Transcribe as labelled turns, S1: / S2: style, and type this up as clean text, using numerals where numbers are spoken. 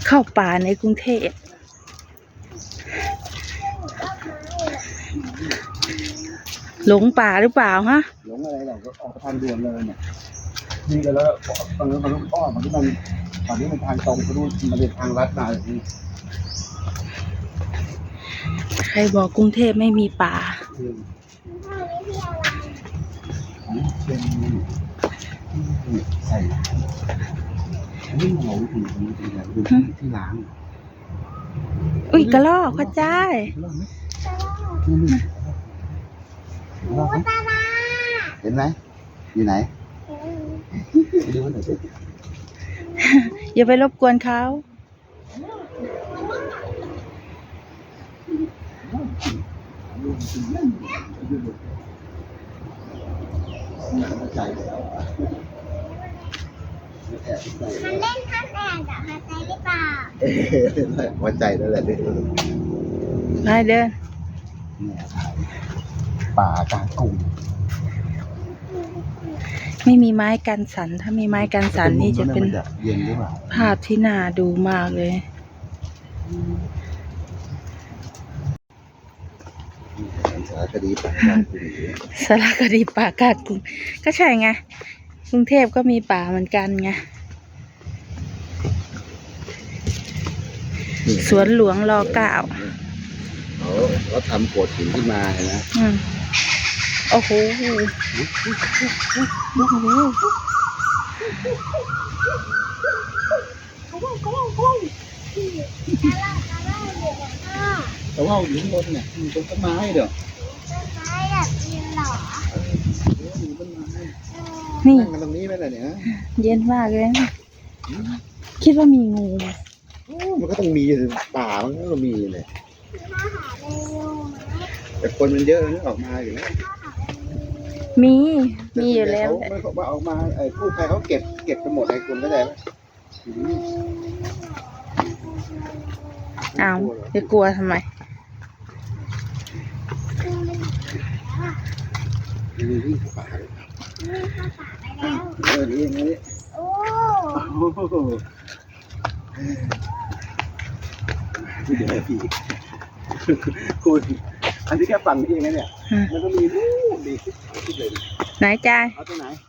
S1: เข้าป่าในกรุงเทพหลงป่าหรือเปล่าฮะ
S2: หลงอะไรเราก็ออกทางด่วนเลยเนี่ยนี่ก็แล้วตอนนั้นมันอ้อมที่มันตอนนี้มันทางตรงเขาดูมันเป็นทางลัดมาอย่างนี้
S1: ใครบอกกรุงเทพไม่มีป่า
S2: เป็นใส่อันนี้เราถึงที่ล้าง
S1: อุ้ยกระรอกพระเจ้า
S2: เห็นไหมอยู่ไหนดูหน่อยสิ
S1: อย่าไปรบกวนเขา
S3: มันเล่นท่าแตกกับฮาใจหรือเปล่า
S2: หัวใจนั่นแหละ
S1: ไปเดิน
S2: ป่ากลางกรุง
S1: ไม่มีไม้กันสันถ้ามีไม้กันสันนี่จะเป็นภาพที่น่าดูมากเลย
S2: สารคดีป่ากลางกรุง
S1: สารคดีป่ากลางกรุงก็ใช่ไงกรุงเทพก็มีป่าเหมือนกันไงสวนหลวงร.9
S2: เขาทำโขดหินขึ้นมาเห็นไหม
S1: โอ้โห
S2: แต่ว่าอยู่ข้างบนเนี่ยมีต้นไม้เด้อ
S3: ต้นไม้แบบยืนหรอ
S2: มีต้นไม้
S1: นี่
S2: นั่งกันตรงนี้ไหมล่ะเนี่ย
S1: เย็นมากเลยคิดว่ามีงูไหม
S2: มันก็ต้องมีป่ามันก็ต้องมีเลยแต่คนมันเยอะนี่ออกมาอยู่แล้ว
S1: มีอยู่แล้ว
S2: เขาว่าออกมากู้ภัยเขาเก็บไปหมดให้คุณก็ได้
S1: อ้าวจะกลัวทำไม
S2: นี่วิ่งเข้าป่าเลยนี่อย่างนี้
S3: โอ้
S2: เดี๋ยวพี่คุณอันนี้แค่ฝั่งนี้เองนะเนี่ยมันก็มีรูปดี
S1: ไหนจ่าย
S2: เอาตรงไหน